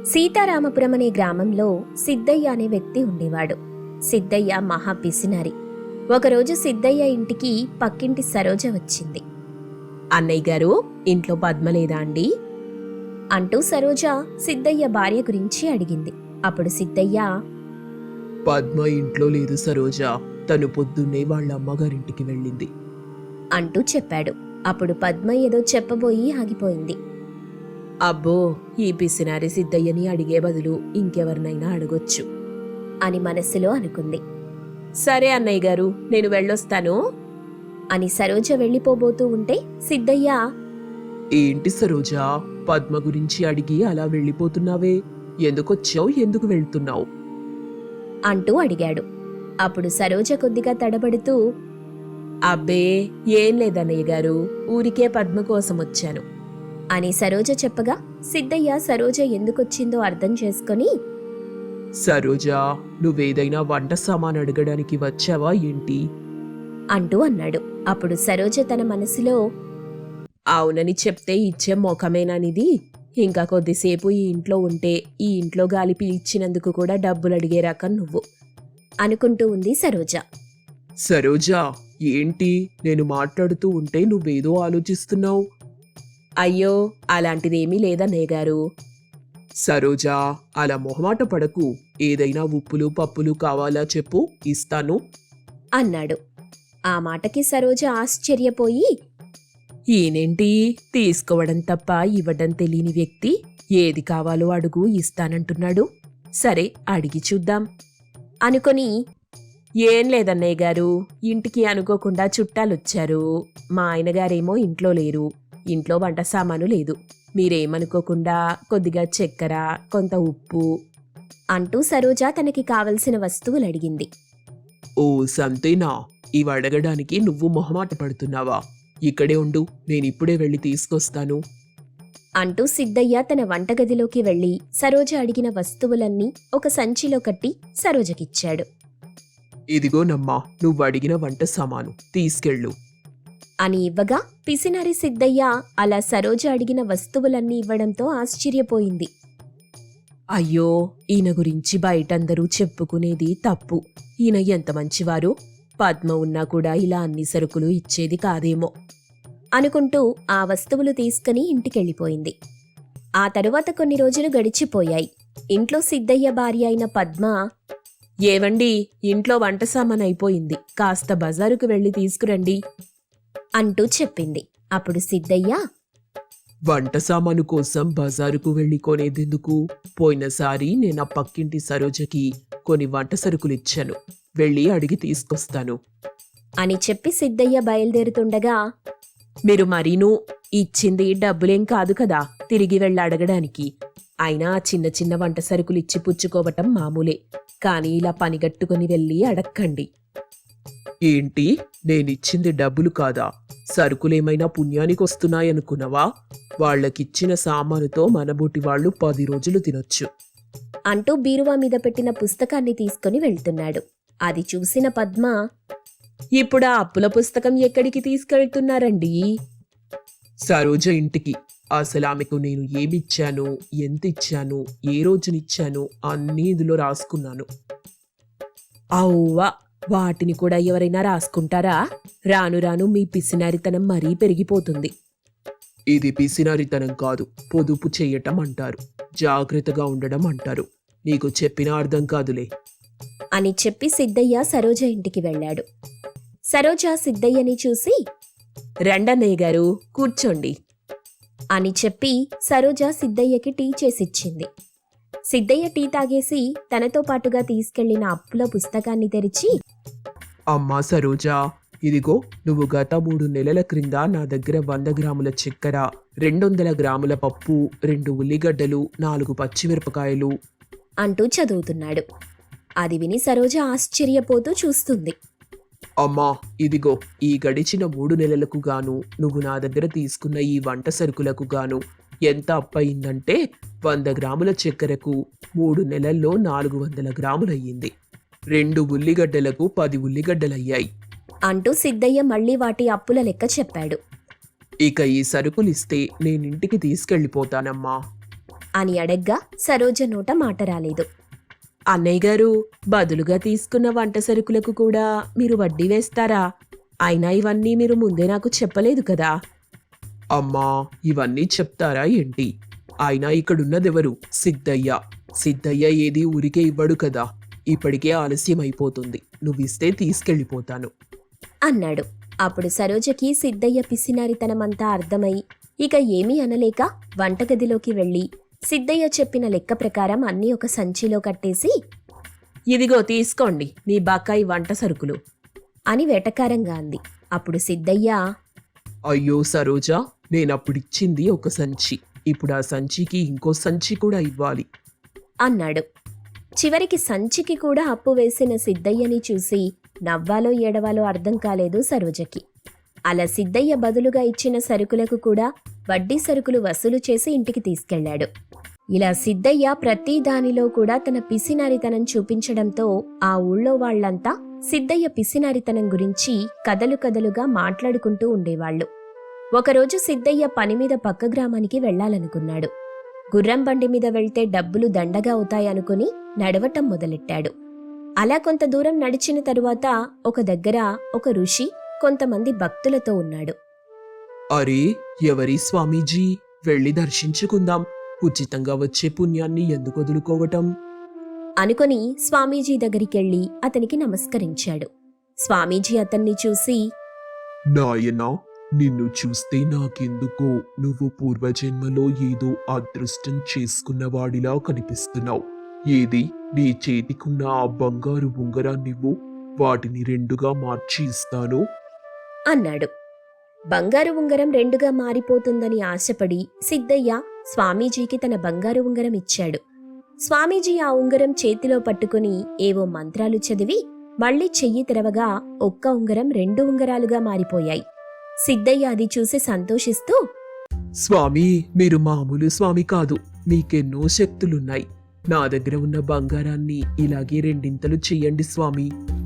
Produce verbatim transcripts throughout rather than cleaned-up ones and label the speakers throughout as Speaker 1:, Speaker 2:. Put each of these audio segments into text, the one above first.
Speaker 1: సీతారామపురం అనే గ్రామంలో సిద్ధయ్య అనే వ్యక్తి ఉండేవాడు. సిద్ధయ్య మహా పిసినారి. ఒకరోజు సిద్ధయ్య ఇంటికి పక్కింటి సరోజ వచ్చింది.
Speaker 2: అన్నయ్య గారు, ఇంట్లో పద్మ లేదా అండి
Speaker 1: అంటూ సరోజ సిద్ధయ్య భార్య గురించి అడిగింది. అప్పుడు సిద్ధయ్య,
Speaker 3: పద్మ ఇంట్లో లేదు సరోజ, తను పొద్దున్నే వాళ్ళ అమ్మగారింటికి వెళ్ళింది
Speaker 1: అంటూ చెప్పాడు. అప్పుడు పద్మ ఏదో చెప్పబోయి ఆగిపోయింది.
Speaker 2: అబ్బో, ఈ పిసినారి సిద్ధయ్యని అడిగే బదులు ఇంకెవరినైనా అడగొచ్చు
Speaker 1: అని మనసులో అనుకుంది.
Speaker 2: సరే అన్నయ్య గారు, నేను వెళ్ళొస్తాను
Speaker 1: అని సరోజ వెళ్ళిపోబోతూ ఉంటే సిద్ధయ్య,
Speaker 3: ఏంటి సరోజ, పద్మ గురించి అడిగి అలా వెళ్ళిపోతున్నావే, ఎందుకొచ్చావు, ఎందుకు వెళ్తున్నావు
Speaker 1: అంటూ అడిగాడు. అప్పుడు సరోజ కొద్దిగా తడబడుతూ,
Speaker 2: అబ్బే ఏం లేదన్నయ్య గారు, ఊరికే పద్మ కోసం వచ్చాను
Speaker 1: అని సరోజ చెప్పగా సిద్ధయ్య సరోజ ఎందుకొచ్చిందో అర్థం చేసుకొని,
Speaker 3: సరోజ, నువ్వేదైనా వంట సామాన్ అడగడానికి వచ్చావా ఏంటి
Speaker 1: అంటూ అన్నాడు. అప్పుడు సరోజ తన మనసులో,
Speaker 2: అవునని చెప్తే ఇచ్చే మొఖమేనానిది, ఇంకా కొద్దిసేపు ఈ ఇంట్లో ఉంటే ఈ ఇంట్లో గాలి పీల్చినందుకు కూడా డబ్బులు అడిగే రకం నువ్వు
Speaker 1: అనుకుంటూ ఉంది సరోజ.
Speaker 3: సరోజ, ఏంటి నేను మాట్లాడుతూ ఉంటే నువ్వేదో ఆలోచిస్తున్నావు
Speaker 2: అయ్యో, అలాంటిదేమీ లేదన్నయ్య గారు
Speaker 3: సరోజ, అలా మొహమాట పడకు, ఏదైనా ఉప్పులు పప్పులు కావాలా చెప్పు, ఇస్తాను
Speaker 1: అన్నాడు. ఆ మాటకి సరోజ ఆశ్చర్యపోయి,
Speaker 2: ఈయనేంటి తీసుకోవడం తప్ప ఇవ్వడం తెలియని వ్యక్తి, ఏది కావాలో అడుగు ఇస్తానంటున్నాడు, సరే అడిగి చూద్దాం
Speaker 1: అనుకొని,
Speaker 2: ఏం లేదన్నయ్య గారు, ఇంటికి అనుకోకుండా చుట్టాలొచ్చారు. మా ఆయనగారేమో ఇంట్లో లేరు, ఇంట్లో వంట సామాను లేదు, మీరేమనుకోకుండా కొద్దిగా చక్కెర, కొంత ఉప్పు
Speaker 1: అంటూ సరోజ తనకి కావలసిన వస్తువులు అడిగింది.
Speaker 3: ఓ సంతేనా, ఇవి అడగడానికి నువ్వు మొహమాట పడుతున్నావా, ఇక్కడే ఉండు, నేనిప్పుడే వెళ్ళి తీసుకొస్తాను
Speaker 1: అంటూ సిద్ధయ్య తన వంటగదిలోకి వెళ్లి సరోజ అడిగిన వస్తువులన్నీ ఒక సంచిలో కట్టి సరోజకిచ్చాడు.
Speaker 3: ఇదిగోనమ్మా, నువ్వు అడిగిన వంట సామాను, తీసుకెళ్ళు
Speaker 1: అని ఇవ్వగా పిసినారి సిద్ధయ్య అలా సరోజ అడిగిన వస్తువులన్నీ ఇవ్వడంతో ఆశ్చర్యపోయింది.
Speaker 2: అయ్యో, ఈయన గురించి బయటందరూ చెప్పుకునేది తప్పు, ఈయన ఎంత మంచివారు, పద్మ ఉన్నా కూడా ఇలా అన్ని సరుకులు ఇచ్చేది కాదేమో
Speaker 1: అనుకుంటూ ఆ వస్తువులు తీసుకుని ఇంటికెళ్ళిపోయింది. ఆ తరువాత కొన్ని రోజులు గడిచిపోయాయి. ఇంట్లో సిద్ధయ్య భార్య అయిన పద్మ,
Speaker 2: ఏవండి, ఇంట్లో వంట సామాన్ అయిపోయింది, కాస్త బజారుకు వెళ్ళి తీసుకురండి
Speaker 1: అంటూ చెప్పింది. అప్పుడు సిద్ధయ్య,
Speaker 3: వంట సామాను కోసం బజారుకు వెళ్ళి కొనేదెందుకు, పోయినసారి నేను ఆ పక్కింటి సరోజకి కొన్ని వంట సరుకులిచ్చాను, వెళ్ళి అడిగి తీసుకొస్తాను
Speaker 1: అని చెప్పి సిద్ధయ్య బయలుదేరుతుండగా,
Speaker 2: మీరు మరీనూ ఇచ్చింది డబ్బులేం కాదు కదా తిరిగి వెళ్ళి అడగడానికి, అయినా చిన్న చిన్న వంట సరుకులు ఇచ్చి పుచ్చుకోవటం మామూలే, కానీ ఇలా పనిగట్టుకుని వెళ్ళి అడక్కండి.
Speaker 3: ఏంటి, నేనిచ్చింది డబ్బులు కాదా, సరుకులేమైనా పుణ్యానికొస్తున్నాయనుకున్నావా, వాళ్ళకిచ్చిన సామానుతో మనబోటి వాళ్ళు పది రోజులు తినొచ్చు
Speaker 1: అంటూ బీరువా మీద పెట్టిన పుస్తకాన్ని తీసుకుని వెళ్తున్నాడు. అది చూసిన పద్మ,
Speaker 2: ఇప్పుడు ఆ అప్పుల పుస్తకం ఎక్కడికి తీసుకెళ్తున్నారండి
Speaker 3: సరోజ ఇంటికి, అసలు ఆమెకు నేను ఏమిచ్చాను, ఎంత ఇచ్చాను, ఏ రోజునిచ్చాను అన్నీ ఇందులో రాసుకున్నాను
Speaker 2: అవ్వా, వాటిని కూడా ఎవరైనా రాసుకుంటారా, రాను రాను మీ పిసినారితనం మరీ పెరిగిపోతుంది
Speaker 3: ఇది పిసినారితనం కాదు, పొదుపు చెయ్యటం అంటారు, జాగ్రత్తగా ఉండడం అంటారు, నీకు చెప్పినా అర్థం కాదులే
Speaker 1: అని చెప్పి సిద్ధయ్య సరోజ ఇంటికి వెళ్ళాడు. సరోజ సిద్ధయ్యని చూసి,
Speaker 2: రండన్నయ్య గారు, కూర్చోండి
Speaker 1: అని చెప్పి సరోజ సిద్ధయ్యకి టీ చేసిచ్చింది. సిద్ధయ్య టీ తాగేసి తనతో పాటుగా తీసుకెళ్లిన అప్పుల పుస్తకాన్ని తెరిచి,
Speaker 3: అమ్మా సరోజ, ఇదిగో, నువ్వు గత మూడు నెలల క్రింద నా దగ్గర వంద గ్రాముల చక్కెర, రెండొందల గ్రాముల పప్పు, రెండు ఉల్లిగడ్డలు, నాలుగు పచ్చిమిరపకాయలు
Speaker 1: అంటూ చదువుతున్నాడు. అది విని సరోజ ఆశ్చర్యపోతూ చూస్తుంది.
Speaker 3: అమ్మా, ఇదిగో, ఈ గడిచిన మూడు నెలలకు గాను నువ్వు నా దగ్గర తీసుకున్న ఈ వంట సరుకులకు గాను ఎంత అప్పయిందంటే వంద గ్రాముల చక్కెరకు మూడు నెలల్లో నాలుగు వందల గ్రాములయ్యింది, రెండు ఉల్లిగడ్డలకు పది ఉల్లిగడ్డలయ్యాయి
Speaker 1: అంటూ సిద్ధయ్య మళ్లీ వాటి అప్పుల లెక్క చెప్పాడు.
Speaker 3: ఇక ఈ సరుకులిస్తే నేనింటికి తీసుకెళ్ళిపోతానమ్మా
Speaker 1: అని అడగ్గా సరోజ నోట మాట రాలేదు.
Speaker 2: అన్నయ్య గారు, బదులుగా తీసుకున్న వంట సరుకులకు కూడా మీరు వడ్డీ వేస్తారా? అయినా ఇవన్నీ మీరు ముందే నాకు చెప్పలేదు కదా.
Speaker 3: అమ్మా, ఇవన్నీ చెప్తారా ఏంటి? అయినా ఇక్కడున్నదెవరు? సిద్ధయ్య. సిద్ధయ్య ఏది ఊరికే ఇవ్వడు కదా. ఇప్పటికే ఆలస్యం అయిపోతుంది. నువ్విస్తే తీసుకెళ్ళిపోతాను
Speaker 1: అన్నాడు. అప్పుడు సరోజకి సిద్ధయ్య పిసినారితనమంతా అర్థమై ఇక ఏమీ అనలేక వంటగదిలోకి వెళ్ళి సిద్ధయ్య చెప్పిన లెక్క ప్రకారం అన్నీ ఒక సంచిలో కట్టేసి,
Speaker 2: ఇదిగో తీసుకోండి మీ బకాయి వంట సరుకులు
Speaker 1: అని వెటకారంగా అంది. అప్పుడు సిద్ధయ్య,
Speaker 3: అయ్యో సరోజా, నేనప్పుడిచ్చింది ఒక సంచి. ఇప్పుడు ఆ సంచికి ఇంకో సంచి కూడా ఇవ్వాలి
Speaker 1: అన్నాడు. చివరికి సంచికి కూడా అప్పు వేసిన సిద్ధయ్యని చూసి నవ్వాలో ఏడవాలో అర్థం కాలేదు సరోజకి. అలా సిద్ధయ్య బదులుగా ఇచ్చిన సరుకులకు కూడా వడ్డీ సరుకులు వసూలు చేసి ఇంటికి తీసుకెళ్లాడు. ఇలా సిద్ధయ్య ప్రతి దానిలో కూడా తన పిసినారితనం చూపించడంతో ఆ ఊళ్ళో వాళ్లంతా సిద్ధయ్య పిసినారితనం గురించి కథలు కథలుగా మాట్లాడుకుంటూ ఉండేవాళ్లు. ఒకరోజు సిద్ధయ్య పనిమీద పక్క గ్రామానికి వెళ్లాలనుకున్నాడు. గుర్రం బండి మీద వెళ్తే డబ్బులు దండగా అవుతాయనుకుని నడవటం మొదలెట్టాడు. అలా కొంత దూరం నడిచిన తరువాత ఒక దగ్గర ఒక ఋషి కొంతమంది భక్తులతో ఉన్నాడు.
Speaker 3: అరే, ఎవరి స్వామీజీ? వెళ్ళి దర్శించుకుందాం. ఉచితంగా వచ్చే పుణ్యాన్ని ఎందుకు వదులుకోవటం
Speaker 1: అనుకొని స్వామీజీ దగ్గరికెళ్లి అతనికి నమస్కరించాడు. స్వామీజీ అతన్ని చూసి,
Speaker 3: నాయనా, నిన్ను చూస్తే నాకెందుకో నువ్వు పూర్వజన్మలో ఏదో అదృష్టం చేసుకున్నవాడిలా కనిపిస్తున్నావు. ఏది నీ చేతికున్న ఆ బంగారు ఉంగరాన్నివ్వు, వాటిని రెండుగా మార్చి ఇస్తాను
Speaker 1: అన్నాడు. బంగారు ఉంగరం రెండుగా మారిపోతుందని ఆశపడి సిద్ధయ్య స్వామీజీకి తన బంగారు ఉంగరం ఇచ్చాడు. స్వామీజీ ఆ ఉంగరం చేతిలో పట్టుకుని ఏవో మంత్రాలు చదివి మళ్లీ చెయ్యి తెరవగా ఒక్క ఉంగరం రెండు ఉంగరాలుగా మారిపోయాయి. సిద్ధయ్య అది చూసి సంతోషిస్తూ,
Speaker 3: స్వామి, మీరు మామూలు స్వామి కాదు. మీకెన్నో శక్తులున్నాయి. నా దగ్గర ఉన్న బంగారాన్ని ఇలాగే రెండింతలు చెయ్యండి స్వామి.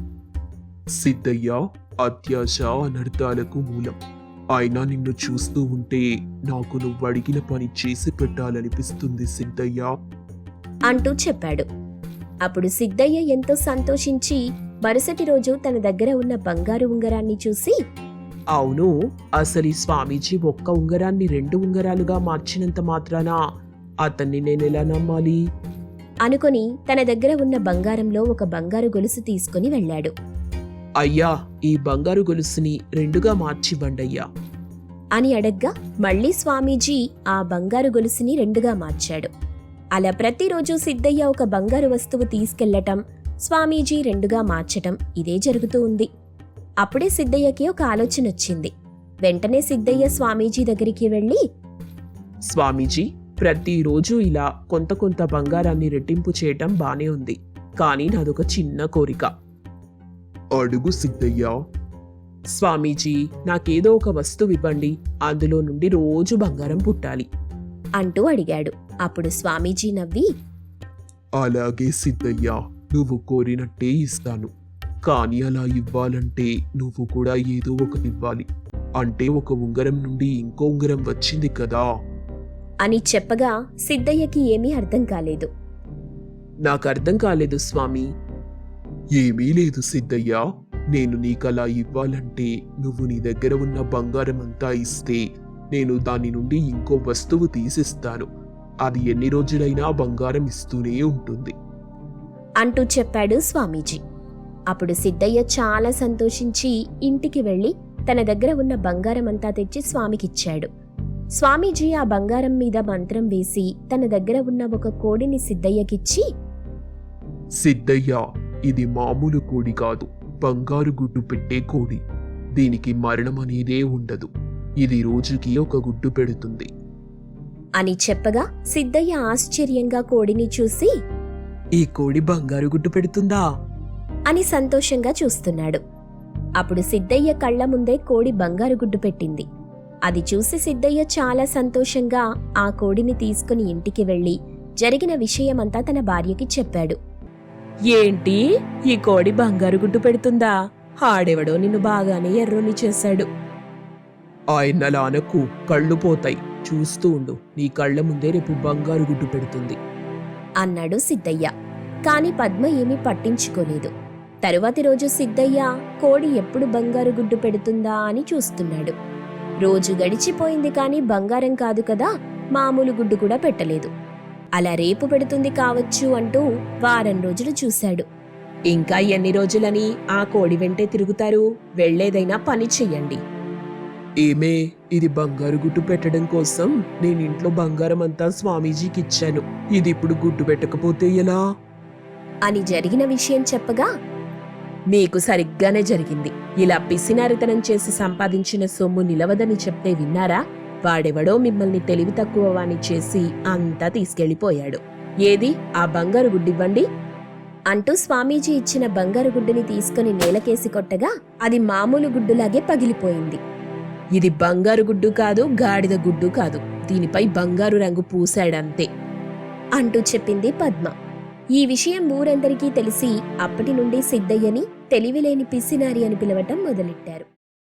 Speaker 3: సిద్ధయ్య, అత్యాశ అనర్థాలకు మూలం. అయినా నిన్ను చూస్తూ ఉంటే నాకు నువ్వు అడిగిన పని చేసి పెట్టాలనిపిస్తుంది సిద్ధయ్య
Speaker 1: అంటూ చెప్పాడు. అప్పుడు సిద్ధయ్య ఎంతో సంతోషించి మరుసటి రోజు తన దగ్గర ఉన్న బంగారు ఉంగరాన్ని చూసి,
Speaker 3: అవును, అసలు ఈ స్వామీజీ ఒక్క ఉంగరాన్ని రెండు ఉంగరాలుగా మార్చినంత మాత్రాన అతన్ని నేనెలా నమ్మాలి
Speaker 1: అనుకుని తన దగ్గర ఉన్న బంగారంలో ఒక బంగారు గొలుసు తీసుకుని వెళ్ళాడు.
Speaker 3: అయ్యా, ఈ బంగారు గొలుసుని రెండుగా మార్చివ్వండయ్యా
Speaker 1: అని అడగ్గా మళ్లీ స్వామీజీ ఆ బంగారు గొలుసుని రెండుగా మార్చాడు. అలా ప్రతిరోజు సిద్ధయ్య ఒక బంగారు వస్తువు తీసుకెళ్లటం, స్వామీజీ రెండుగా మార్చటం ఇదే జరుగుతూ ఉంది. అప్పుడే సిద్ధయ్యకి ఒక ఆలోచన వచ్చింది. వెంటనే సిద్ధయ్య స్వామీజీ దగ్గరికి వెళ్ళి,
Speaker 3: స్వామీజీ, ప్రతిరోజు ఇలా కొంత కొంత బంగారాన్ని రెట్టింపు చేయటం బానే ఉంది. కానీ నాదొక చిన్న కోరిక. అడుగు సిద్ధయ్య. స్వామీజీ, నాకేదో ఒక వస్తువు ఇవ్వండి. అందులో నుండి రోజు బంగారం పుట్టాలి
Speaker 1: అంటూ అడిగాడు. అప్పుడు స్వామీజీ నవ్వి,
Speaker 3: అలాగే సిద్ధయ్య, నువ్వు కోరినట్టే ఇస్తాను. కానీ అలా ఇవ్వాలంటే నువ్వు కూడా ఏదో ఒకటి ఇవ్వాలి. అంటే ఒక ఉంగరం నుండి ఇంకో ఉంగరం వచ్చింది కదా
Speaker 1: అని చెప్పగా సిద్ధయ్యకి ఏమీ అర్థం కాలేదు.
Speaker 3: నాకు అర్థం కాలేదు స్వామి. ఏమీ లేదు సిద్ధయ్య. నేను నీకలా ఇవ్వాలంటే నువ్వు నీ దగ్గర ఉన్న బంగారం అంతా ఇస్తే నేను దాని నుండి ఇంకో వస్తువు తీసిస్తాను. అది ఎన్ని రోజులైనా బంగారం ఇస్తూనే ఉంటుంది
Speaker 1: అంటూ చెప్పాడు స్వామీజీ. అప్పుడు సిద్ధయ్య చాలా సంతోషించి ఇంటికి వెళ్లి తన దగ్గర ఉన్న బంగారమంతా తెచ్చి స్వామికిచ్చాడు. స్వామీజీ ఆ బంగారం మీద మంత్రం వేసి తన దగ్గర ఉన్న ఒక కోడిని సిద్ధయ్యకిచ్చి,
Speaker 3: సిద్ధయ్య, ఇది మామూలు కోడి కాదు, బంగారు గుడ్డు పెట్టే కోడి. దీనికి మరణం అనేదే ఉండదు. ఇది రోజుకి ఒక గుడ్డు పెడుతుంది
Speaker 1: అని చెప్పగా సిద్ధయ్య ఆశ్చర్యంగా కోడిని చూసి,
Speaker 3: ఈ కోడి బంగారు గుడ్డు పెడుతుందా
Speaker 1: అని సంతోషంగా చూస్తున్నాడు. అప్పుడు సిద్ధయ్య కళ్ల ముందే కోడి బంగారు గుడ్డు పెట్టింది. అది చూసి సిద్ధయ్య చాలా సంతోషంగా ఆ కోడిని తీసుకుని ఇంటికి వెళ్లి జరిగిన విషయమంతా తన భార్యకి చెప్పాడు.
Speaker 2: ఏంటి, ఈ కోడి బంగారు గుడ్డు పెడుతుందా? ఆడెవడో నిన్ను బాగానే ఎర్రోని చేశాడు.
Speaker 3: ఆయనలానకు కళ్ళు పోతాయి. చూస్తూ ఉండు, నీ కళ్ళ ముందే రేపు బంగారు గుడ్డు పెడుతుంది.
Speaker 1: అన్నాడు సిద్ధయ్య. కాని పద్మ ఏమీ పట్టించుకోలేదు. తరువాతి రోజు సిద్ధయ్య కోడి ఎప్పుడు బంగారు గుడ్డు పెడుతుందా అని చూస్తున్నాడు. రోజు గడిచిపోయింది కాని బంగారం కాదు కదా, మామూలు గుడ్డు కూడా పెట్టలేదు. అలా రేపు పెడుతుంది కావచ్చు అంటూ వారం రోజులు చూశాడు.
Speaker 2: ఇంకా ఎన్ని రోజులని ఆ కోడి వెంటే తిరుగుతారు? వెళ్లేదైనా పని చెయ్యండి.
Speaker 3: ఏమే, ఇది బంగారు గుడ్డు పెట్టడం కోసం నేను ఇంట్లో బంగారం అంతా స్వామీజీకి ఇచ్చాను. ఇది ఇప్పుడు గుడ్డు పెట్టకపోతే ఎలా
Speaker 1: అని జరిగిన విషయం చెప్పగా,
Speaker 2: మీకు సరిగ్గానే జరిగింది. ఇలా పిసినారితనం చేసి సంపాదించిన సొమ్ము నిలవదని చెప్తే విన్నారా? వాడెవడో మిమ్మల్ని తెలివి తక్కువ వాణ్ణి చేసి అంతా తీసుకెళ్లిపోయాడు. ఏది ఆ బంగారు గుడ్డివ్వండి
Speaker 1: అంటూ స్వామీజీ ఇచ్చిన బంగారు గుడ్డుని తీసుకుని నేలకేసి కొట్టగా అది మామూలు గుడ్డులాగే పగిలిపోయింది.
Speaker 2: ఇది బంగారు గుడ్డు కాదు, గాడిద గుడ్డు కాదు, దీనిపై బంగారు రంగు పూశాడంతే
Speaker 1: అంటూ చెప్పింది పద్మ. ఈ విషయం ఊరందరికీ తెలిసి అప్పటి నుండి సిద్ధయ్యని తెలివిలేని పిసినారి అని పిలవటం మొదలెట్టారు.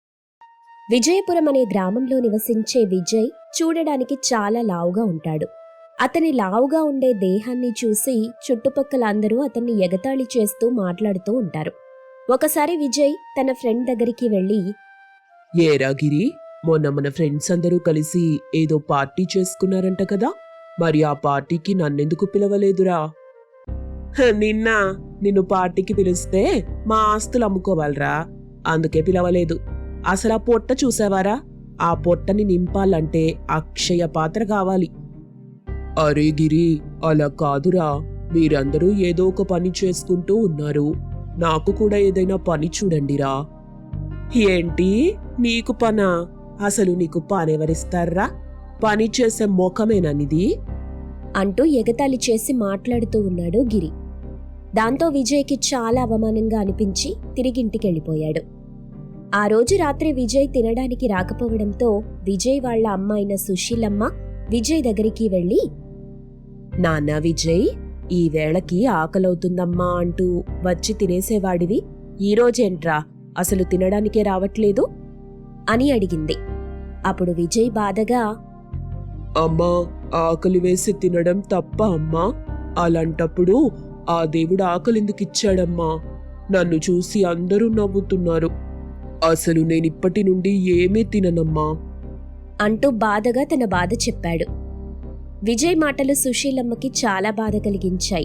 Speaker 1: విజయపురం అనే గ్రామంలో నివసించే విజయ్ చూడడానికి చాలా లావుగా ఉంటాడు. అతని లావుగా ఉండే దేహాన్ని చూసి చుట్టుపక్కల అందరూ అతన్ని ఎగతాళి చేస్తూ మాట్లాడుతూ ఉంటారు. ఒకసారి విజయ్ తన ఫ్రెండ్ దగ్గరికి వెళ్లి,
Speaker 3: ఏరా గిరి, మొన్న మన ఫ్రెండ్స్ అందరూ కలిసి ఏదో పార్టీ చేసుకున్నారంట కదా, మరి ఆ పార్టీకి నన్నెందుకు పిలవలేదురా?
Speaker 2: "హ, నిన్న నిన్ను పార్టీకి పిలిస్తే మా ఆస్తులు అమ్ముకోవాలరా, అందుకే పిలవలేదు. అసలు ఆ పొట్ట చూసావారా? ఆ పొట్టని నింపాలంటే అక్షయ పాత్ర కావాలి."
Speaker 3: అరే గిరి, అలా కాదురా, మీరందరూ ఏదో ఒక పని చేసుకుంటూ ఉన్నారు. నాకు కూడా ఏదైనా పని చూడండిరా.
Speaker 2: ఏంటి నీకు పనా? అసలు నీకు పనెవరిస్తారా? పని చేసే మొఖమేననిది
Speaker 1: అంటూ ఎగతాళి చేసి మాట్లాడుతూ ఉన్నాడు గిరి. దాంతో విజయ్కి చాలా అవమానంగా అనిపించి తిరిగింటికెళ్ళిపోయాడు. ఆ రోజు రాత్రి విజయ్ తినడానికి రాకపోవడంతో విజయ్ వాళ్ల అమ్మ అయిన సుశీలమ్మ విజయ్ దగ్గరికి వెళ్లి,
Speaker 2: నాన్న విజయ్, ఈ వేళకి ఆకలవుతుందమ్మా అంటూ వచ్చి తినేసేవాడివి, ఈరోజేంట్రా అసలు తినడానికే రావట్లేదు
Speaker 1: అని అడిగింది. అప్పుడు విజయ్ బాధగా,
Speaker 3: అమ్మా, ఆకలి వేసి తినడం తప్ప అమ్మా? అలాంటప్పుడు ఆ దేవుడు ఆకలిందుకిచ్చాడమ్మా? నన్ను చూసి అందరూ నవ్వుతున్నారు. అసలు నేనిప్పటి నుండి ఏమీ తిననమ్మా
Speaker 1: అంటూ బాధగా తన బాధ చెప్పాడు. విజయ్ మాటలు సుశీలమ్మకి చాలా బాధ కలిగించాయి.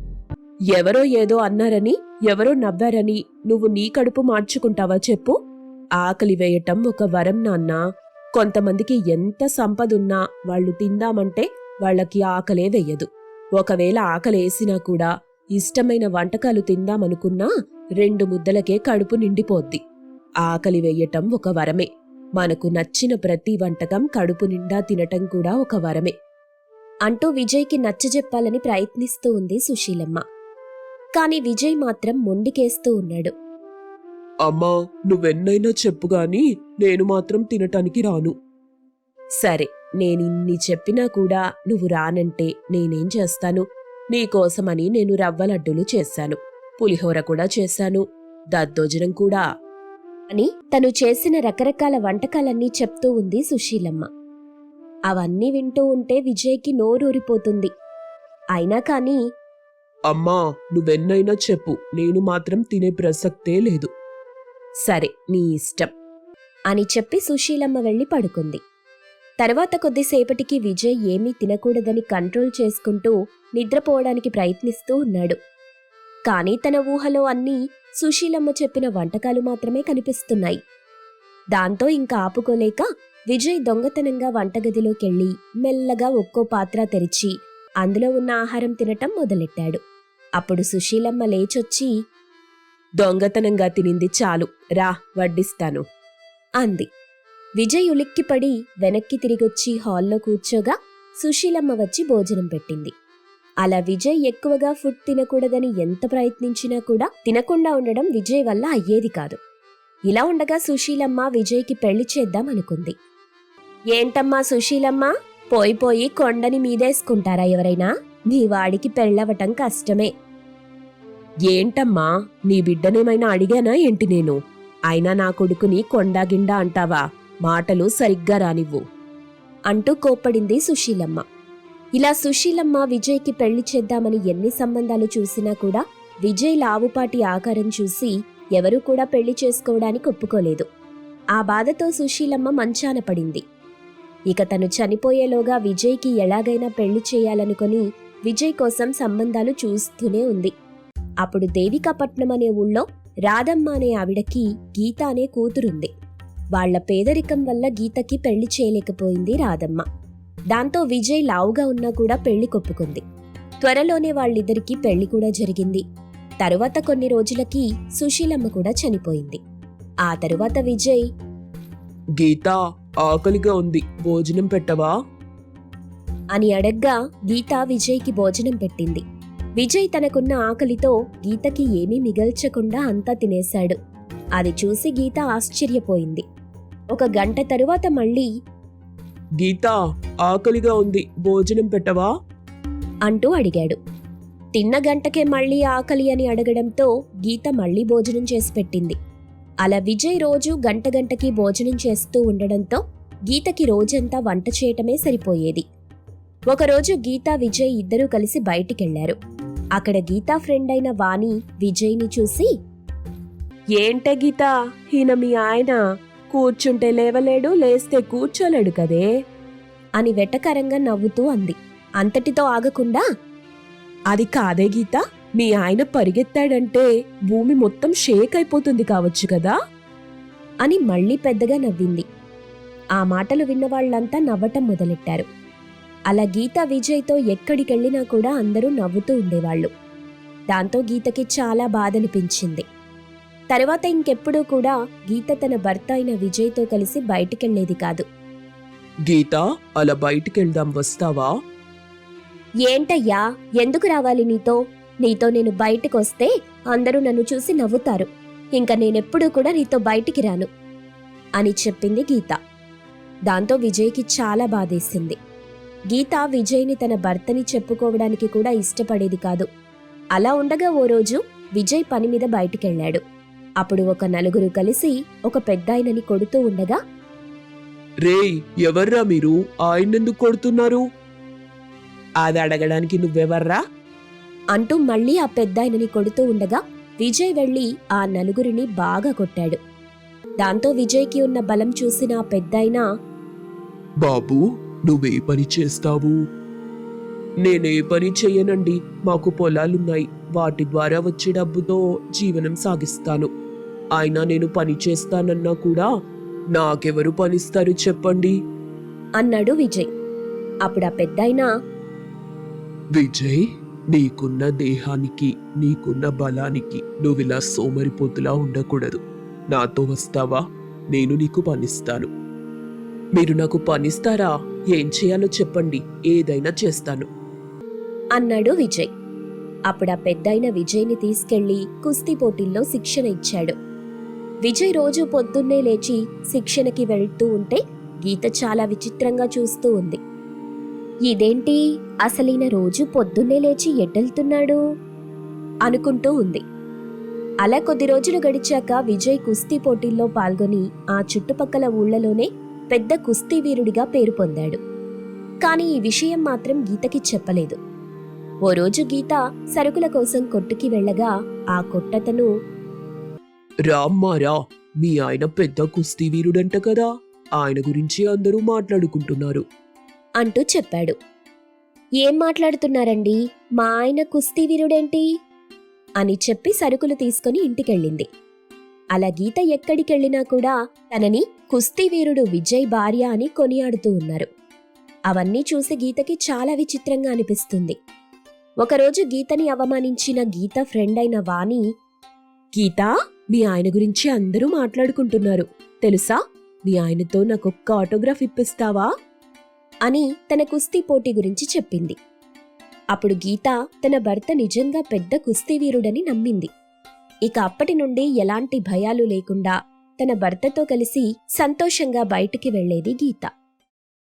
Speaker 2: ఎవరో ఏదో అన్నారని, ఎవరో నవ్వారని నువ్వు నీ కడుపు మార్చుకుంటావా చెప్పు? ఆకలి వేయటం ఒక వరం నాన్నా. కొంతమందికి ఎంత సంపదున్నా వాళ్ళు తిందామంటే వాళ్లకి ఆకలే వెయ్యదు. ఒకవేళ ఆకలేసినా కూడా ఇష్టమైన వంటకాలు తిందామనుకున్నా రెండు ముద్దలకే కడుపు నిండిపోద్ది. ఆకలి వెయ్యటం ఒక వరమే. మనకు నచ్చిన ప్రతి వంటకం కడుపు నిండా తినటం కూడా ఒక వరమే
Speaker 1: అంటూ విజయ్కి నచ్చజెప్పాలని ప్రయత్నిస్తూ ఉంది సుశీలమ్మ. కాని విజయ్ మాత్రం మొండికేస్తూ ఉన్నాడు.
Speaker 3: అమ్మా, నువ్వెన్నైనా చెప్పుగాని నేను మాత్రం తినటానికి రాను.
Speaker 2: సరే, నేనిన్ని చెప్పినా కూడా నువ్వు రానంటే నేనేం చేస్తాను? నీకోసమని నేను రవ్వ లడ్డూలు చేశాను, పులిహోర కూడా చేశాను, దద్దోజనం కూడా
Speaker 1: అని తను చేసిన రకరకాల వంటకాలన్నీ చెప్తూ ఉంది సుశీలమ్మ. అవన్నీ వింటూ ఉంటే విజయ్కి నోరూరిపోతుంది. అయినా కాని,
Speaker 3: అమ్మా, నువ్వెన్నైనా చెప్పు, నేను మాత్రం తినే ప్రసక్తే లేదు.
Speaker 2: సరే, నీ ఇష్టం
Speaker 1: అని చెప్పి సుశీలమ్మ వెళ్లి పడుకుంది. తర్వాత కొద్దిసేపటికి విజయ్ ఏమీ తినకూడదని కంట్రోల్ చేసుకుంటూ నిద్రపోవడానికి ప్రయత్నిస్తూ ఉన్నాడు. కాని తన ఊహలో అన్నీ సుశీలమ్మ చెప్పిన వంటకాలు మాత్రమే కనిపిస్తున్నాయి. దాంతో ఇంకా ఆపుకోలేక విజయ్ దొంగతనంగా వంటగదిలోకెళ్లి మెల్లగా ఒక్కో పాత్ర తెరిచి అందులో ఉన్న ఆహారం తినటం మొదలెట్టాడు. అప్పుడు సుశీలమ్మ లేచొచ్చి,
Speaker 2: దొంగతనంగా తినింది చాలు, రా వడ్డిస్తాను
Speaker 1: అంది. విజయ్ ఉలిక్కిపడి వెనక్కి తిరిగొచ్చి హాల్లో కూర్చోగా సుశీలమ్మ వచ్చి భోజనం పెట్టింది. అలా విజయ్ ఎక్కువగా ఫుడ్ తినకూడదని ఎంత ప్రయత్నించినా కూడా తినకుండా ఉండడం విజయ్ వల్ల అయ్యేది కాదు. ఇలా ఉండగా సుశీలమ్మ విజయ్కి పెళ్లి చేద్దామనుకుంది. ఏంటమ్మా సుశీలమ్మ, పోయి పోయి కొండని మీదేసుకుంటారా ఎవరైనా? నీ వాడికి పెళ్ళవటం కష్టమే.
Speaker 2: ఏంటమ్మా, నీ బిడ్డనేమైనా అడిగానా ఏంటి నేను? అయినా నా కొడుకుని కొండాగిండా అంటావా? మాటలు సరిగ్గా రానివ్వు.
Speaker 1: అంటూ కోప్పడింది సుశీలమ్మ. ఇలా సుశీలమ్మ విజయ్కి పెళ్లి చేద్దామని ఎన్ని సంబంధాలు చూసినా కూడా విజయ్ లావుపాటి ఆకారం చూసి ఎవరూ కూడా పెళ్లి చేసుకోవడానికి ఒప్పుకోలేదు. ఆ బాధతో సుశీలమ్మ మంచాన పడింది. ఇక తను చనిపోయేలోగా విజయ్కి ఎలాగైనా పెళ్లి చేయాలనుకొని విజయ్ కోసం సంబంధాలు చూస్తూనే ఉంది. అప్పుడు దేవికాపట్నం అనే ఊళ్ళో రాధమ్మ అనే ఆవిడకి గీత అనే కూతురుంది. వాళ్ల పేదరికం వల్ల గీతకి పెళ్లి చేయలేకపోయింది రాధమ్మ. దాంతో విజయ్ లావుగా ఉన్నా కూడా పెళ్లి కొప్పుకుంది. త్వరలోనే వాళ్ళిద్దరికీ పెళ్లి కూడా జరిగింది. తరువాత కొన్ని రోజులకి సుశీలమ్మ కూడా చనిపోయింది. ఆ తరువాత విజయ్,
Speaker 3: గీత, ఆకలిగా ఉంది, భోజనం పెట్టవా
Speaker 1: అని అడగ్గా గీత విజయ్కి భోజనం పెట్టింది. విజయ్ తనకున్న ఆకలితో గీతకి ఏమీ మిగల్చకుండా అంతా తినేశాడు. అది చూసి గీత ఆశ్చర్యపోయింది. ఒక గంట తరువాత మళ్ళీ,
Speaker 3: గీత, ఆకలిగా ఉంది, భోజనం పెట్టవా
Speaker 1: అంటూ అడిగాడు. తిన్న గంటకే మళ్ళీ ఆకలి అని అడగడంతో గీత మళ్ళీ భోజనం చేసి పెట్టింది. అలా విజయ్ రోజు గంట గంటకి భోజనం చేస్తూ ఉండడంతో గీతకి రోజంతా వంట చేయటమే సరిపోయేది. ఒకరోజు గీత, విజయ్ ఇద్దరూ కలిసి బయటికెళ్లారు. అక్కడ గీతా ఫ్రెండ్ అయిన వాణి విజయ్ని చూసి,
Speaker 2: ఏంటే గీత, ఈయన మీ ఆయన కూర్చుంటే లేవలేడు, లేస్తే కూర్చోలేడు కదే
Speaker 1: అని వెటకరంగా నవ్వుతూ అంది. అంతటితో ఆగకుండా,
Speaker 2: అది కాదే గీత, మీ ఆయన పరిగెత్తాడంటే భూమి మొత్తం షేక్ అయిపోతుంది కావచ్చు కదా
Speaker 1: అని మళ్ళీ పెద్దగా నవ్వింది. ఆ మాటలు విన్న వాళ్లంతా నవ్వటం మొదలెట్టారు. అలా గీత విజయ్తో ఎక్కడికెళ్లినా కూడా అందరూ నవ్వుతూ ఉండేవాళ్లు. దాంతో గీతకి చాలా బాధనిపించింది. తర్వాత ఇంకెప్పుడూ కూడా గీత తన భర్త అయిన విజయ్తో కలిసి బయటికెళ్లేది కాదు.
Speaker 3: గీత, అలా బయటికెళ్దాం, వస్తావా
Speaker 1: ఏంటయ్యా, ఎందుకు రావాలి నీతో? నీతో నేను బయటికొస్తే అందరూ నన్ను చూసి నవ్వుతారు. ఇంకా నేనెప్పుడూ కూడా నీతో బయటికి రాను అని చెప్పింది గీత. దాంతో విజయ్కి చాలా బాధేసింది. గీత విజయ్ని తన భర్తని చెప్పుకోవడానికి కూడా ఇష్టపడేది కాదు. అలా ఉండగా ఓ రోజు విజయ్ పని మీద బయటికెళ్లాడు. అప్పుడు ఒక నలుగురు కలిసి ఒక పెద్దాయనని కొడుతూ ఉండగా,
Speaker 3: రేయ్, ఎవర్రా మీరు, ఆయన్నెందుకు కొడుతున్నారు
Speaker 2: అది అడగడానికి నువ్వెవర్రా
Speaker 1: అంటూ మళ్ళీ ఆ పెద్దాయనని కొడుతూ ఉండగా విజయ్ వెళ్లి ఆ నలుగురిని బాగా కొట్టాడు. దాంతో విజయ్కి ఉన్న బలం చూసిన ఆ పెద్దాయన,
Speaker 3: బాబూ, నువ్వే పని చేస్తావు నేనే పని చెయ్యనండి, మాకు పొలాలున్నాయి, వాటి ద్వారా వచ్చే డబ్బుతో జీవనం సాగిస్తాను. అయినా నేను పని చేస్తానన్నా కూడా నాకెవరు పనిస్తారు చెప్పండి
Speaker 1: అన్నాడు విజయ్. అప్పుడు ఆ పెద్దాయన,
Speaker 3: విజయ్, నీకున్న దేహానికి, నీకున్న బలానికి నువ్విలా సోమరిపోతులా ఉండకూడదు. నాతో వస్తావా? నేను నీకు పనిస్తాను. మీరు నాకు పనిస్తారా? ఏం చేయాలో చెప్పండి, ఏదైనా చేస్తాను
Speaker 1: అన్నాడు విజయ్. అప్పుడు ఆ పెద్దాయన విజయ్ని తీసుకెళ్లి కుస్తీ పోటీల్లో శిక్షణ ఇచ్చాడు. విజయ్ రోజు పొద్దున్నే లేచి శిక్షణకి వెళ్తూ ఉంటే గీత చాలా విచిత్రంగా చూస్తూ ఉంది. ఇదేంటి, అసలీన రోజు పొద్దున్నే లేచి ఎట్టెళ్తున్నాడు అనుకుంటూ ఉంది. అలా కొద్ది రోజులు గడిచాక విజయ్ కుస్తీ పోటీల్లో పాల్గొని ఆ చుట్టుపక్కల ఊళ్లలోనే పెద్ద కుస్తీ వీరుడిగా పేరు పొందాడు. కాని ఈ విషయం మాత్రం గీతకి చెప్పలేదు. ఓ రోజు గీత సరుకుల కోసం కొట్టుకి వెళ్ళగా ఆ కొట్టతను,
Speaker 3: రామ్మారా, మీ ఆయన పెద్ద కుస్తీ వీరుడంట కదా, ఆయన గురించి అందరూ మాట్లాడుకుంటున్నారు
Speaker 1: అంటూ చెప్పాడు. ఏం మాట్లాడుతున్నారండి, మా ఆయన కుస్తీ వీరుడేంటి అని చెప్పి సరుకులు తీసుకుని ఇంటికెళ్ళింది. అలా గీత ఎక్కడికెళ్ళినా కూడా తనని కుస్తీ వీరుడు విజయ్ భార్య అని కొనియాడుతూ ఉన్నారు. అవన్నీ చూసి గీతకి చాలా విచిత్రంగా అనిపిస్తుంది. ఒకరోజు గీతని అవమానించిన గీత ఫ్రెండ్ అయిన వాణి,
Speaker 2: గీత, మీ ఆయన గురించి అందరూ మాట్లాడుకుంటున్నారు తెలుసా, మీ ఆయనతో నాకొక్క ఆటోగ్రాఫ్ ఇప్పిస్తావా
Speaker 1: అని తన కుస్తీ పోటీ గురించి చెప్పింది. అప్పుడు గీత తన భర్త నిజంగా పెద్ద కుస్తీ వీరుడని నమ్మింది. ఇక అప్పటి నుండి ఎలాంటి భయాలు లేకుండా తన భర్తతో కలిసి సంతోషంగా బయటికి వెళ్లేది గీత.